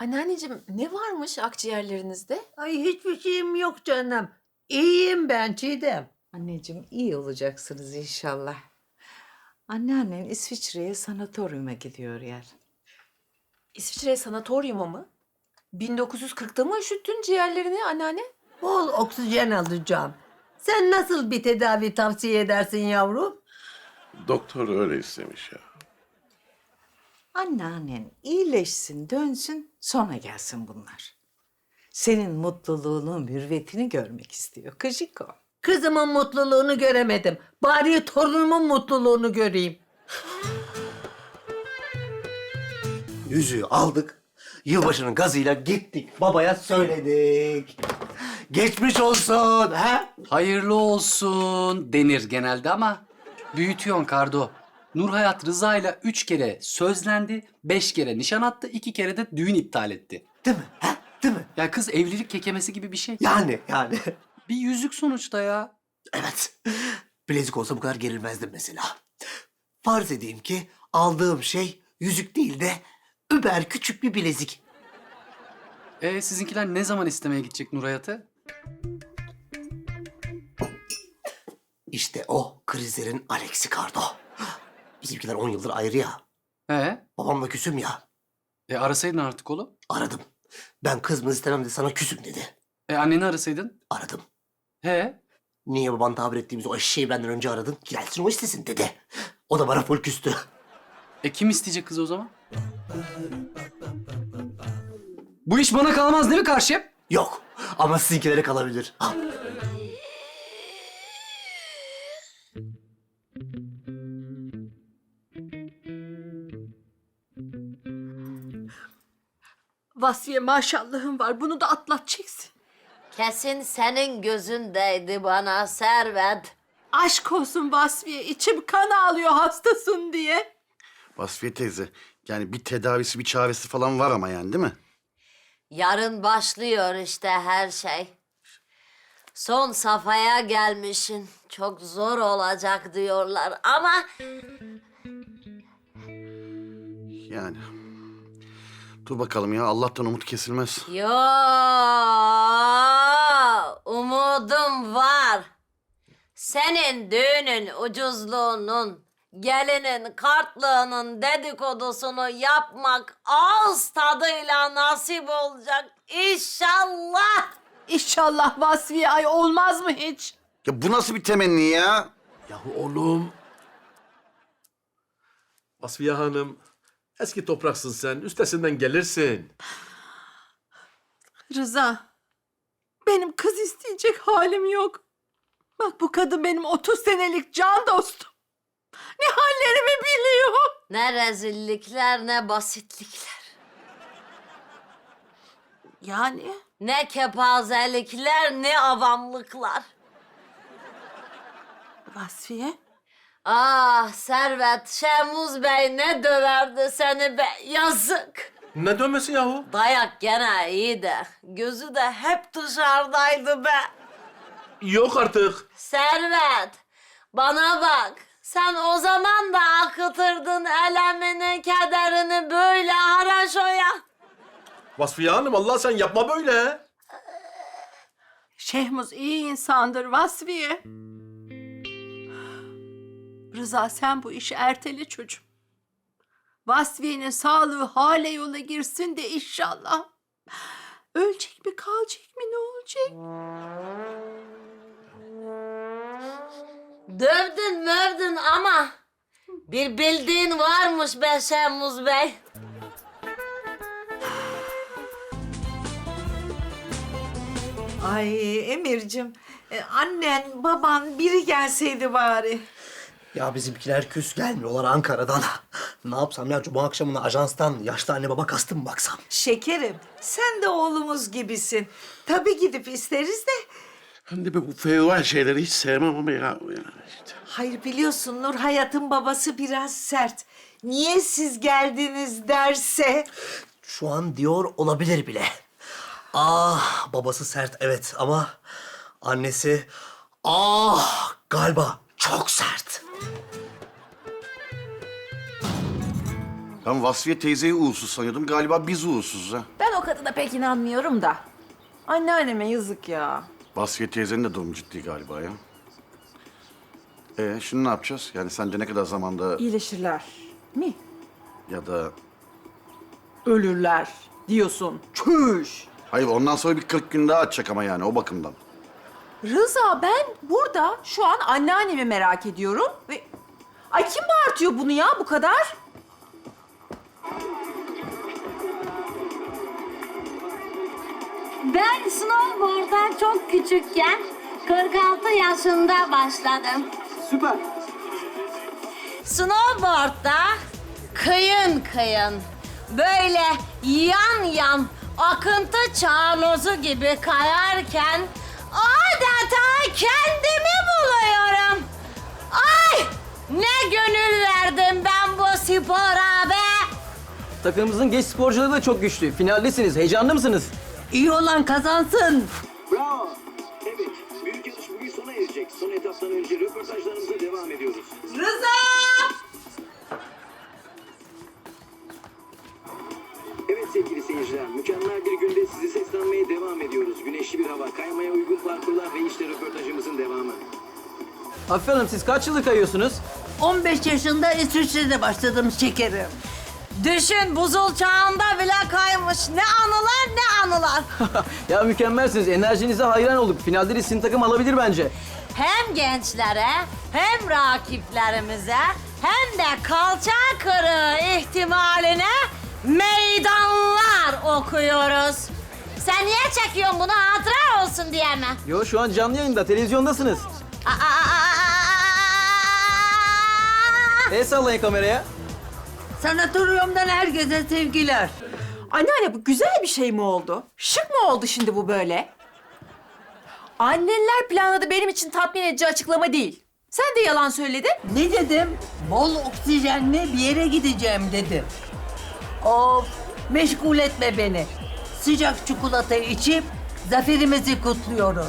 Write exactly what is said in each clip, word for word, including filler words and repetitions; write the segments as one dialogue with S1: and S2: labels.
S1: Anneanneciğim ne varmış akciğerlerinizde?
S2: Ay hiçbir şeyim yok canım. İyiyim ben Çiğdem.
S3: Anneciğim iyi olacaksınız inşallah. Anneannen İsviçre'ye sanatoryuma gidiyor yer.
S1: İsviçre sanatoryumu mu? bin dokuz yüz kırkta mı üşüttün ciğerlerini anneanne?
S2: Bol oksijen alacağım. Sen nasıl bir tedavi tavsiye edersin yavrum?
S4: Doktor öyle istemiş ya.
S3: Anneannen iyileşsin, dönsün, sonra gelsin bunlar. Senin mutluluğunu, mürvetini görmek istiyor. Kıcık o.
S2: Kızımın mutluluğunu göremedim. Bari torunumun mutluluğunu göreyim.
S5: Yüzüğü aldık. Yılbaşının gazıyla gittik. Babaya söyledik. Geçmiş olsun. Ha?
S6: Hayırlı olsun denir genelde ama büyütüyorsun Kardo. Nurhayat Rıza ile üç kere sözlendi, beş kere nişan attı, iki kere de düğün iptal etti.
S5: Değil mi? Ha? Değil mi?
S6: Ya kız evlilik kekemesi gibi bir şey.
S5: Yani yani.
S6: Bir yüzük sonuçta ya.
S5: Evet. Bilezik olsa bu kadar gerilmezdim mesela. Farz edeyim ki aldığım şey yüzük değil de über küçük bir bilezik.
S6: E sizinkiler ne zaman istemeye gidecek Nurhayat'ı?
S5: İşte o krizlerin Alex'i Kardo. Bizimkiler on yıldır ayrı ya.
S6: He?
S5: Babamla küsüm ya.
S6: E arasaydın artık oğlum.
S5: Aradım. Ben kızımı istemem de sana küsüm dedi.
S6: E anneni arasaydın.
S5: Aradım.
S6: He?
S5: Niye baban tabir ettiğimiz o eşeği benden önce aradın? Gelsin o istesin dedi. O da bana full küstü.
S6: E kim isteyecek kızı o zaman? Bu iş bana kalmaz değil mi karşım?
S5: Yok ama sizinkilere kalabilir. Ha.
S2: Vasfiye maşallahın var. Bunu da atlatacaksın.
S7: Kesin senin gözündeydi bana Servet.
S2: Aşk olsun Vasfiye. İçim kan ağlıyor hastasın diye.
S4: Vasfiye teyze, yani bir tedavisi, bir çaresi falan var ama yani değil mi?
S7: Yarın başlıyor işte her şey. Son safhaya gelmişsin. Çok zor olacak diyorlar ama
S4: Yani. Dur bakalım ya, Allah'tan umut kesilmez.
S7: yo umudum var. Senin düğünün ucuzluğunun, gelinin kartlığının dedikodusunu yapmak ağız tadıyla nasip olacak İnşallah.
S2: İnşallah Vasfiye. Ay olmaz mı hiç?
S4: Ya bu nasıl bir temenni ya?
S8: Yahu oğlum. Vasfiye Hanım, eski topraksın sen, üstesinden gelirsin.
S2: Rıza. Benim kız isteyecek halim yok. Bak bu kadın benim otuz senelik can dostum. Ne hallerimi biliyor.
S7: Ne rezillikler ne basitlikler.
S2: Yani?
S7: Ne kepazelikler ne avamlıklar.
S2: Vasfiye?
S7: Ah Servet, Şemuz Bey ne döverdi seni be yazık.
S8: Ne dönmesi yahu?
S7: Dayak gene iyi de gözü de hep dışarıdaydı be.
S8: Yok artık.
S7: Servet, bana bak. Sen o zaman da akıtırdın elemini, kederini böyle haraşoya.
S8: Vasfiye Hanım, Allah sen yapma böyle.
S2: Şehmuz iyi insandır Vasfiye. Rıza sen bu işi ertele çocuğum. Vasfiye'nin sağlığı hale yola girsin de inşallah. Ölecek mi kalacak mı ne olacak?
S7: Dövdün mövdün ama bir bildiğin varmış be Şemuz Bey.
S3: Ay Emir'cim, e, annen, baban biri gelseydi bari.
S5: Ya bizimkiler küs gelmiyorlar Ankara'dan. Ne yapsam ya cuma akşamına ajanstan yaşlı anne baba kastım mı baksam?
S3: Şekerim, sen de oğlumuz gibisin. Tabii gidip isteriz de.
S4: Hem de bu fevval şeyleri hiç sevmem ama ya. Yani işte.
S3: Hayır biliyorsun Nur Hayat'ın babası biraz sert. Niye siz geldiniz derse.
S5: Şu an diyor olabilir bile. Ah babası sert evet ama annesi ah galiba çok sert.
S4: Ben Vasfiye teyzeyi uğursuz sanıyordum. Galiba biz uğursuzuz ha.
S1: Ben o kadına pek inanmıyorum da. Anneanneme yazık ya.
S4: Vasfiye teyzenin de durumu ciddi galiba ya. Ee, şimdi ne yapacağız? Yani sence ne kadar zamanda
S1: İyileşirler mi?
S4: ya da...
S1: Ölürler diyorsun. Çüş.
S4: Hayır, ondan sonra bir kırk gün daha atacak ama yani o bakımdan.
S1: Rıza, ben burada şu an anneannemi merak ediyorum ve... Ay kim bağırtıyor bunu ya bu kadar?
S7: Ben snowboard'a çok küçükken kırk altı yaşında başladım.
S5: Süper.
S7: Snowboard'da kıyın kıyın, böyle yan yan akıntı çağnozu gibi kayarken adeta kendimi buluyorum. Ay! Ne gönül verdim ben bu spora be!
S9: Takımımızın genç sporcuları da çok güçlü. Finaldesiniz. Heyecanlı mısınız?
S2: İyi olan kazansın.
S10: Bravo. Evet, büyük yarış bugün sona erecek. Son etaptan önce röportajlarımıza devam ediyoruz.
S1: Rıza!
S10: Evet sevgili seyirciler, mükemmel bir günde sizi seslenmeye devam ediyoruz. Güneşli bir hava, kaymaya uygun parkurlar ve işte röportajımızın devamı.
S9: Afife Hanım siz kaç yıldır kayıyorsunuz?
S2: on beş yaşında İsviçre'de başladım şekerim.
S7: Düşün, buzul çağında bile kaymış. Ne anılar ne anılar.
S9: Ya mükemmelsiniz. Enerjinize hayran olduk. Finalde de sizin takım alabilir bence.
S7: Hem gençlere hem rakiplerimize hem de kalça kırığı ihtimaline meydanlar okuyoruz. Sen niye çekiyorsun bunu, hatıra olsun diye mi?
S9: Yo şu an canlı yayında. Televizyondasınız.
S7: Aa, aa, aa, aa!
S9: El sallayın kameraya.
S2: Sanatoryumdan herkese sevgiler.
S1: Anneanne, bu güzel bir şey mi oldu? Şık mı oldu şimdi bu böyle? Anneler planladı, benim için tatmin edici açıklama değil. Sen de yalan söyledin.
S2: Ne dedim? Bol oksijenli bir yere gideceğim dedim. Of, meşgul etme beni. Sıcak çikolatayı içip zaferimizi kutluyoruz.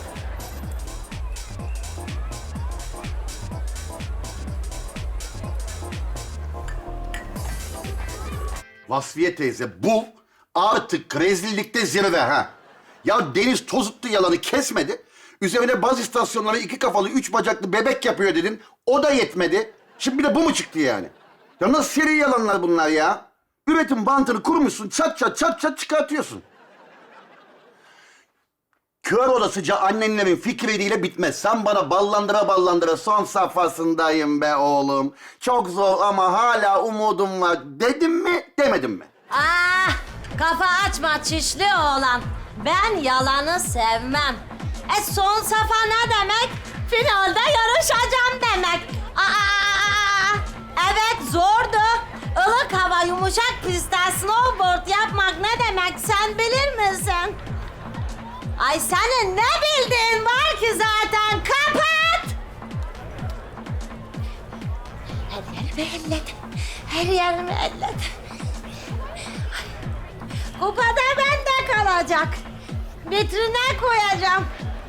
S4: Vasfiye teyze, bu artık rezillikte zirve ha. Ya Deniz tozuttu yalanı kesmedi. Üzerine baz istasyonları iki kafalı, üç bacaklı bebek yapıyor dedin. O da yetmedi. Şimdi bir de bu mu çıktı yani? Ya nasıl seri yalanlar bunlar ya? Üretim bantını kurmuşsun, çat çat çat çat çıkartıyorsun. Kör odasıca annenlerin fikriyle bitmez. Sen bana ballandıra ballandıra son safhasındayım be oğlum. Çok zor ama hala umudum var dedim mi, demedim mi?
S7: Ah, kafa açma çişli oğlan. Ben yalanı sevmem. E son safa ne demek? Finalde yarışacağım demek. Aa, evet zordu. Ilık hava, yumuşak pistte snowboard yapmak ne demek sen bilir misin? Ay senin ne bildiğin var ki zaten, kapat! Her yerimi elledim, her yerimi elledim. Kupada bende kalacak. Vitrine koyacağım.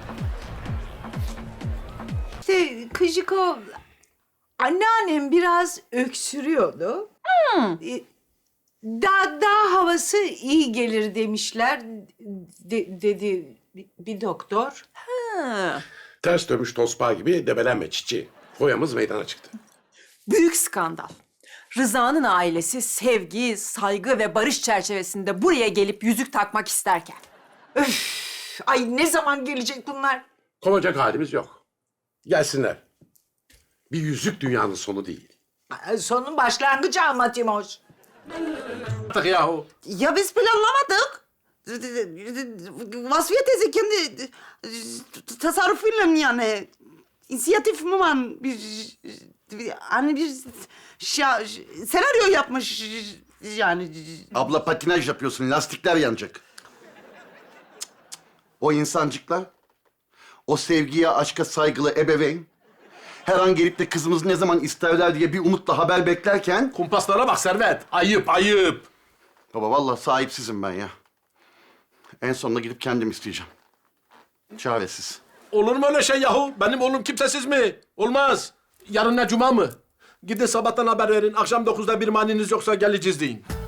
S3: İşte Kıjiko, anneannem biraz öksürüyordu. Ee, Daha, daha havası iyi gelir demişler, de- dedi bir, bir doktor.
S8: Ters dönmüş tosbağa gibi debelenme çiçeği. Foyamız meydana çıktı.
S1: Büyük skandal. Rıza'nın ailesi sevgi, saygı ve barış çerçevesinde buraya gelip yüzük takmak isterken.
S3: Öf, ay ne zaman gelecek bunlar?
S8: Kovacak halimiz yok. Gelsinler. Bir yüzük dünyanın sonu değil.
S3: Ay, Sonun başlangıcı ama Timoş.
S8: Artık yahu.
S11: Ya biz planlamadık. Vasfiye teyze kendi tasarrufuyla yani inisiyatif mi var bir, bir hani bir şa, senaryo yapmış yani.
S4: Abla patinaj yapıyorsun, lastikler yanacak. Cık, cık. O insancıklar, o sevgiye, aşka saygılı ebeveyn, her an gelip de kızımız ne zaman isterler diye bir umutla haber beklerken...
S8: Kumpaslara bak Servet. Ayıp, ayıp.
S4: Baba vallahi sahipsizim ben ya. En sonunda gidip kendim isteyeceğim. Çaresiz.
S8: Olur mu öyle şey yahu? Benim oğlum kimsesiz mi? Olmaz. Yarın ne cuma mı? Gidin sabahtan haber verin. Akşam dokuzda bir maniniz yoksa geleceğiz deyin.